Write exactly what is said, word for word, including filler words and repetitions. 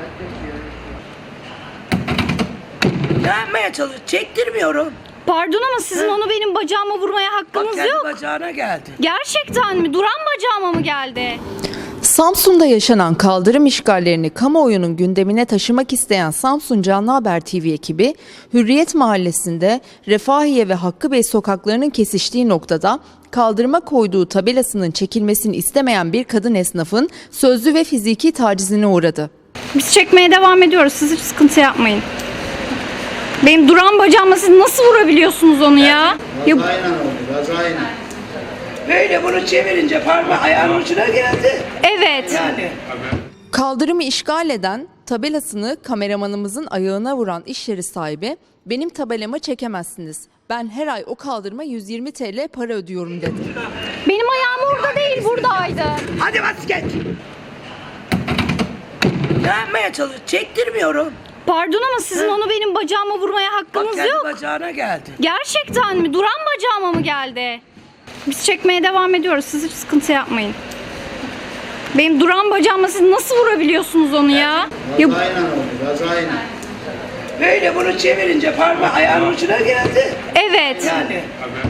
Ne yapmaya çalışıyorsun? Çektirmiyorum. Pardon ama sizin He? onu benim bacağıma vurmaya Bak hakkınız kendi yok. bacağına geldi. Gerçekten mi? Duran bacağıma mı geldi? Samsun'da yaşanan kaldırım işgallerini kamuoyunun gündemine taşımak isteyen Samsun Canlı Haber T V ekibi, Hürriyet Mahallesi'nde Refahiye ve Hakkı Bey sokaklarının kesiştiği noktada kaldırıma koyduğu tabelasının çekilmesini istemeyen bir kadın esnafın sözlü ve fiziki tacizine uğradı. Biz çekmeye devam ediyoruz. Siz hiç sıkıntı yapmayın. Benim duran bacağıma siz nasıl vurabiliyorsunuz onu ya? Ya Kazayla oldu, kazayla. Böyle bunu çevirince parmağı ayağın ucuna geldi. evet. Yani. Kaldırımı işgal eden, tabelasını kameramanımızın ayağına vuran iş yeri sahibi, "Benim tabelama çekemezsiniz. Ben her ay o kaldırıma yüz yirmi TL para ödüyorum" dedi. Benim ayağım orada değil, buradaydı. Hadi bas geç. Ne yapmaya çalışıyorsun? Çektirmiyorum. Pardon ama sizin He? onu benim bacağıma vurmaya Bak hakkınız kendi yok. bacağına geldi. Gerçekten mi? Duran bacağıma mı geldi? Biz çekmeye devam ediyoruz. Siz hiç sıkıntı yapmayın. Benim duran bacağıma siz nasıl vurabiliyorsunuz onu ya? Ya Kazayla oldu, kazayla. Böyle bunu çevirince parmağı ayağın ucuna geldi. evet. Yani.